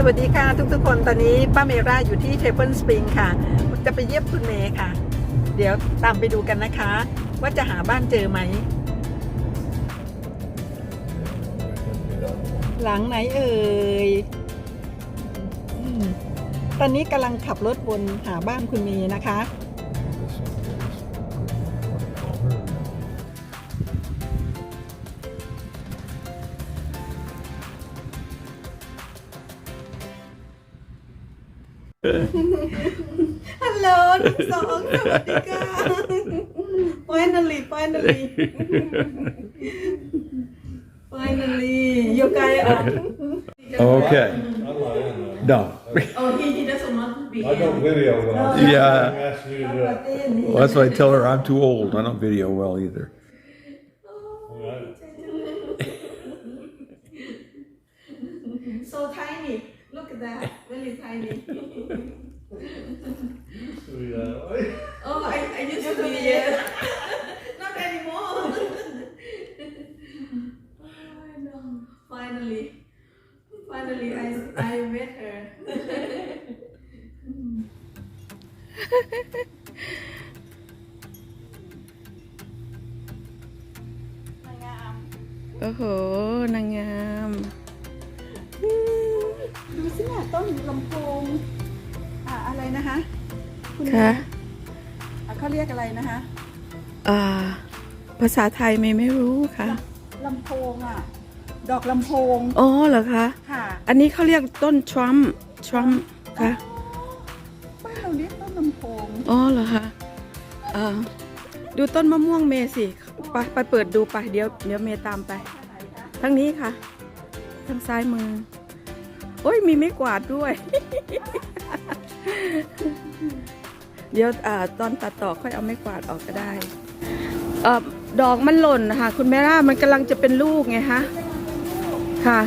วัสดีค่ะทุกคนตอนนี้ป้าเมร่าอยู่ที่เทเบิลสปริงค่ะจะไปเยี่ยมคุณเมย์ค่ะเดี๋ยวตามไปดูกันนะคะว่าจะหาบ้านเจอไหมหลังไหนเอ่ยตอนนี้กำลังขับรถวนหาบ้านคุณเมย์นะคะ ฮัลโหลทั้งสองสวัสดีค่ะ finally you guys are Okay. No. oh he doesn't want to be I don't video well. Yeah. Ask me to do it. Well, that's why I tell her I'm too old. I don't video well either. so tiny look at that very tiny oh I used to be not anymore oh, no. finally I met her โอ้โหนางงามดูสิเนี่ยต้นลำโพงอะไรนะคะคุณค่ะเขาเรียกอะไรนะคะภาษาไทยไม่รู้ค่ะลำโพงดอกลำโพงอ๋อเหรอคะค่ะอันนี้เขาเรียกต้นทรัมป์ค่ะบ้านเราเรียกต้นลำโพงอ๋อเหรอคะดูต้นมะม่วงเมย์สิไปเปิดดูไปเดี๋ยวเมย์ตามไปทั้งนี้ค่ะทางซ้ายมือโอ้ยมีไม้กวาดด้วย เดี๋ยวตอนตัดต่อค่อยเอาไม้กวาดออกก็ได้ดอกมันหล่นค่ะคุณแม่ล่ามันกำลังจะเป็นลูกไงคะค่ะ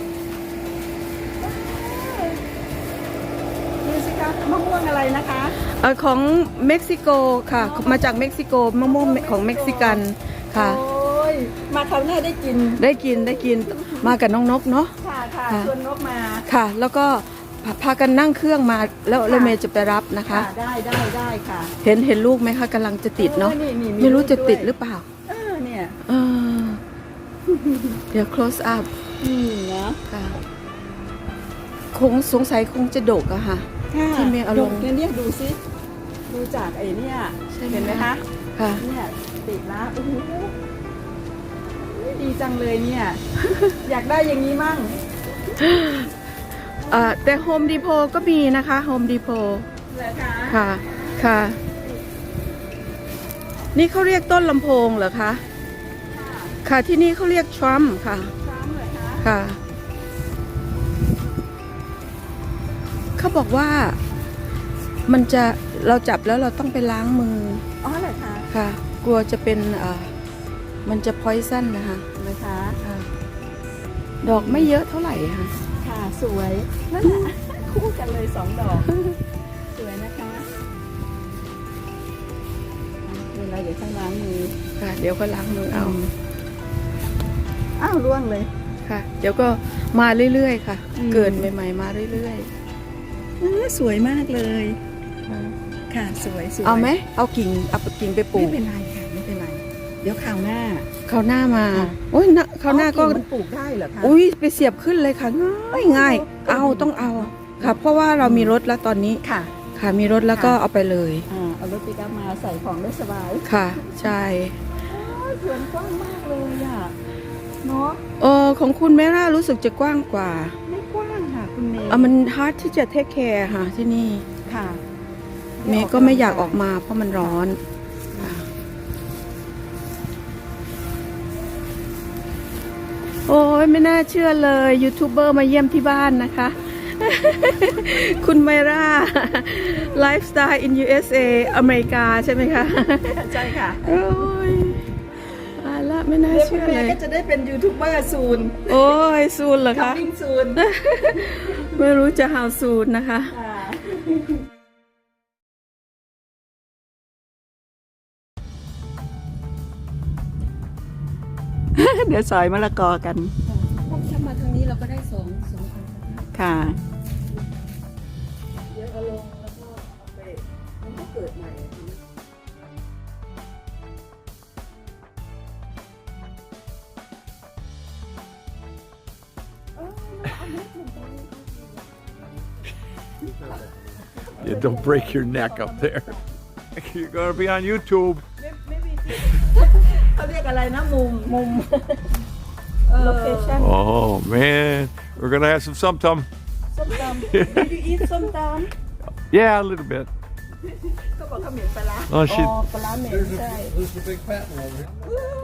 ดูสิคะมะม่วงอะไรนะคะของเม็กซิโกค่ะมาจากเม็กซิโกมะม่วงของเม็กซิกันค่ะโอ้ยมาคราวหน้าได้กินได้กินมากับน้องนกเนาะค่ะค่ะชวนนกมาค่ะ แล้วก็พากันนั่งเครื่องมาแล้วเมย์จะไปรับนะคะได้ค่ะเห็นลูกไหมคะกำลังจะติดเนาะนี่ไม่รู้จะติดด้วยหรือเปล่าเนี่ยเออเดี๋ยว close up นะค่ะคงสงสัยคงจะดกอะค่ะ ที่เมย์เอาลงเนี่ยดูสิดูจากไอ้เนี่ยใช่ไหมเห็นไหมคะค่ะเนี่ยติดแล้วโอ้โหดีจังเลยเนี่ย อยากได้อย่างนี้มั่งแต่โฮมดีโพก็มีนะคะโฮมดีโพเหรอคะค่ะ นี่เขาเรียกต้นลำโพงเหรอคะ ค่ะที่นี่เขาเรียกทรัมป์ค่ะช้างเหรอคะค่ะ เขาบอกว่ามันจะเราจับแล้วเราต้องไปล้างมืออ๋อเหรอคะค่ะ กลัวจะเป็นมันจะพอยซันนะคะเหรอคะค่ะดอกไม่เยอะเท่าไหร่ค่ะค่ะสวยนั่นแหละคู่กันเลย2 ดอก สวยนะคะเวลาเดี๋ยวต้องล้างมือค่ะ เดี๋ยวก็ล้างมือเอาอ้าวร่วงเลยค่ะ เดี๋ยวก็มาเรื่อยๆค่ะอืมเกิดใหม่ๆมาเรื่อยสวยมากเลยๆค่ะสวยเอาไหมเอากิ่งไปปลูไม่กเป็นไรค่ะไม่เป็นไร เดี๋ยวคราวหน้าคราวหน้ามาค่ะโอ้ยคราวหน้าก็มันปลูกได้เหรอคะอุ้ยไปเสียบขึ้นเลยค่ะง่ายต้องเอาค่ะ เพราะว่าเรามีรถแล้วตอนนี้ค่ะค่ะมีรถแล้วก็เอาไปเลยเอารถปิกอัพมาใส่ของได้สบายค่ะ ใช่สวนกว้างมากเลยเนาะของคุณแม่ล่ารู้สึกจะกว้างกว่าไม่กว้างค่ะคุณเมย์มันฮาร์ดที่จะเทคแคร์ค่ะที่นี่ค่ะเมย์ก็ไม่อยากออกมาเพราะมันร้อนค่ะโอ้ยไม่น่าเชื่อเลยยูทูบเบอร์มาเยี่ยมที่บ้านนะคะ คุณไมร่าไลฟ์สไตล์ in USA อเมริกาใช่ไหมคะใช่ค่ะโอ้ยตายละไม่น่าเดี๋ยวคุเชื่ณอเมเลย์ยก็จะได้เป็นยูทูบเบอร์ซูนโอ้ยซูนเหรอคัมคะมิ่งซูนไม่รู้จะ how soon นะคะเดี๋ยวสอยมะละกอกันถ้ามาทางนี้เราก็ได้สองค่ะเกิดใหม่ Yeah, don't break your neck up there. You're gonna be on YouTube. เขาเรียกอะไรนะมุม location Oh man, we're gonna have some tum. ส้มตำ Did you eat ส้มตำ Yeah, a little bit. ก็บอกเขาเหม็นปลาร้า Oh, อ๋ she. อปลาร้าเหม็นใช่ There's a big fat one over here.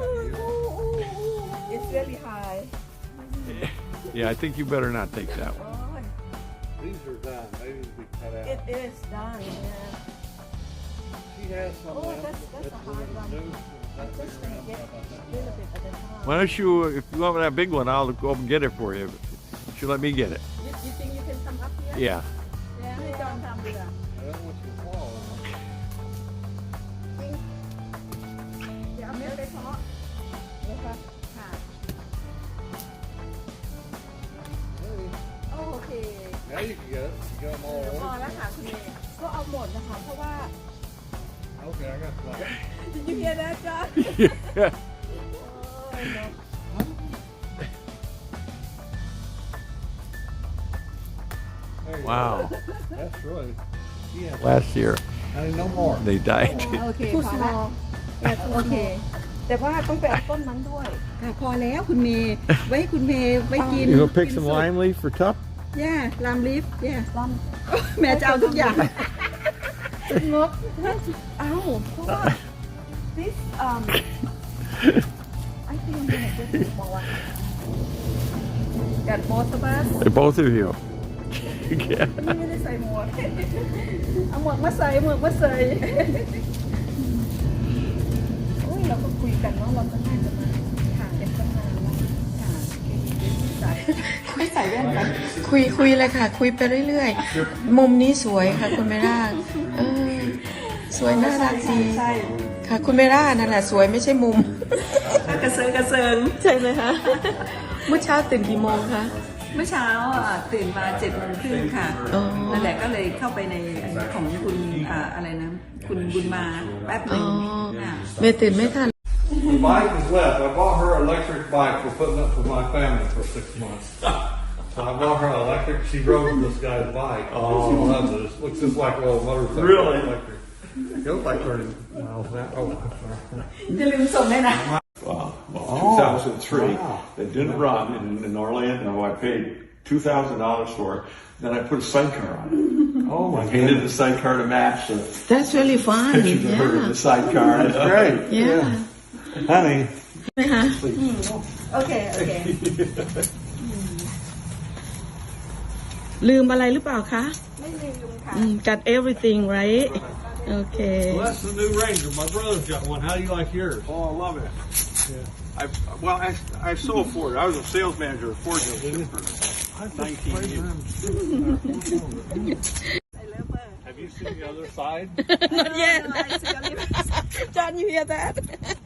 It's really high Yeah, I think you better not take that one. These are done. They need to be cut out. It is done yeah She has some Oh, left. that's a hard one. I'm just gonna get a little bit at a time Why don't you, if you want that big one, I'll go up and get it for you. You let me get it. You think you can come up here Yeah. ให้จอนทำดีกว่า I don't want you to fall. เดี๋ยวเอาเม็ดไปเพาะเดี๋ยวค่ะค่ะ Hey, โอเค now you can get it. You got them all พอ over. แล้วค่ะคุณเมย์ก็เอาหมดนะคะเพราะว่า Okay, I got some. Did you hear that John Yeah. There you Wow. go. That's really. Yeah. Last year Honey, no more. they died. โอเค Too พอแล้ว small โอเคแต่ว่าต้องไปเอาต้นนั้นด้วยค่ะพอแล้วคุณเมย์ไว้ให้คุณเมย์ไว้กิน You gonna pick some lime leaf for Tup? ย่าลามลิฟย่าลแม่จะเอาทุกอย่างำงบเอ้าเพราะว่า this I think I'm gonna get this small one got both of us Both of you. Yeah. ไม่ได้ใส่หมวก เอาหมวกมาใส่หมวกมาใส่โอ้ยเราก็คุยกันเนาะเราก็น่าจะมาห่างกันตั้งนานแล้วค่ะไม่ใส่แว่นกันคุยเลยค่ะ คุยไปเรื่อยๆ มุมนี้สวยค่ะคุณเมร่าสวยน่ารักดีค่ะคุณเมร่านั่นแหละสวยไม่ใช่มุมกระเซิงใช่ไหมคะเมื่อเช้าตื่นกี่โมงคะเมื่อเช้าตื่นมา7:30ค่ะอ๋อนั่นแหละก็เลยเข้าไปในของคุณอะไรนะ คุณบุญมาแป๊บหนึ่งค่ะเมย์ตื่นไม่ทัน The bike is left. I bought her an electric bike for putting up with my family for 6 months. So I bought her an electric. She rode this guy's bike. Oh. She loves it. It looks just like a little motorcycle. Really? Electric. It goes like 30 miles an hour. Oh, I'm sorry. จะลืมส่งได้นะ 2003. It didn't run in Orlando. I paid $2,000 for it. Then I put a sidecar on it. Oh my I painted the sidecar to match the That's really fun pictures of her in the sidecar. That's great. yeah Honey. ไหมคะโอเคลืมอะไรหรือเปล่าคะไม่ลืมค่ะ got everything right โอเค Well, that's the new Ranger. My brother's got one. How do you like yours? Oh, I love it. I sold Ford. I was a sales manager at Ford dealership for 19 years. Have you seen the other side? not yet John you hear that